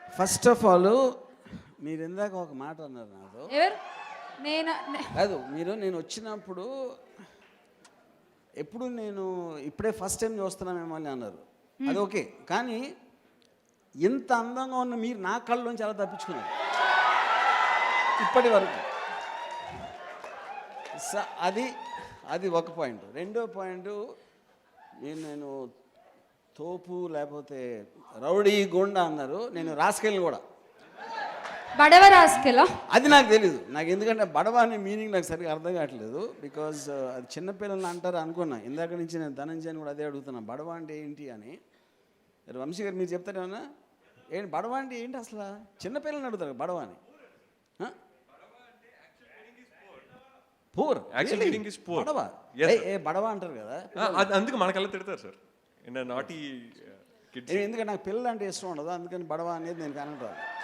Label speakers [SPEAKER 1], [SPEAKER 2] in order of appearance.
[SPEAKER 1] First of all మీరు ఇందాక ఒక మాట అన్నారు నాతో.
[SPEAKER 2] ఎవరు? నేను
[SPEAKER 1] కాదు, నేను వచ్చినప్పుడు ఎప్పుడు నేను ఇప్పుడే ఫస్ట్ టైం చూస్తున్నా మిమ్మల్ని అన్నారు. అది ఓకే, కానీ ఇంత అందంగా ఉన్న మీరు నా కళ్ళలోంచి ఎలా తప్పించుకున్నారు ఇప్పటి వరకు? అది అది ఒక పాయింట్. రెండో పాయింట్, నేను తోపు లేకపోతే రౌడీ గుండా అన్నారు. నేను రాసుకెళ్ళి కూడా
[SPEAKER 2] బడవ రాసుకెళ్ళా,
[SPEAKER 1] అది నాకు తెలీదు. నాకు ఎందుకంటే బడవ అనే మీనింగ్ నాకు సరిగ్గా అర్థం కావట్లేదు. బికాజ్ అది చిన్నపిల్లలు అంటారు అనుకున్నా. ఇందాక నుంచి నేను ధనంజయని కూడా అదే అడుగుతున్నా, బడవ అంటే ఏంటి అని. వంశీ గారు మీరు చెప్తారేమన్నా? ఏంటి బడవ అంటే ఏంటి అసలు? చిన్నపిల్లల్ని అడుగుతారు బడవ అని. పూర్ బడవ, బడవ అంటారు కదా,
[SPEAKER 3] అందుకు మనకల్లా తిడతారు సార్. నాటి
[SPEAKER 1] ఎందుకంటే నాకు పిల్లలు అంటే ఇష్టం ఉండదు, అందుకని బడవ అనేది నేను కనడం.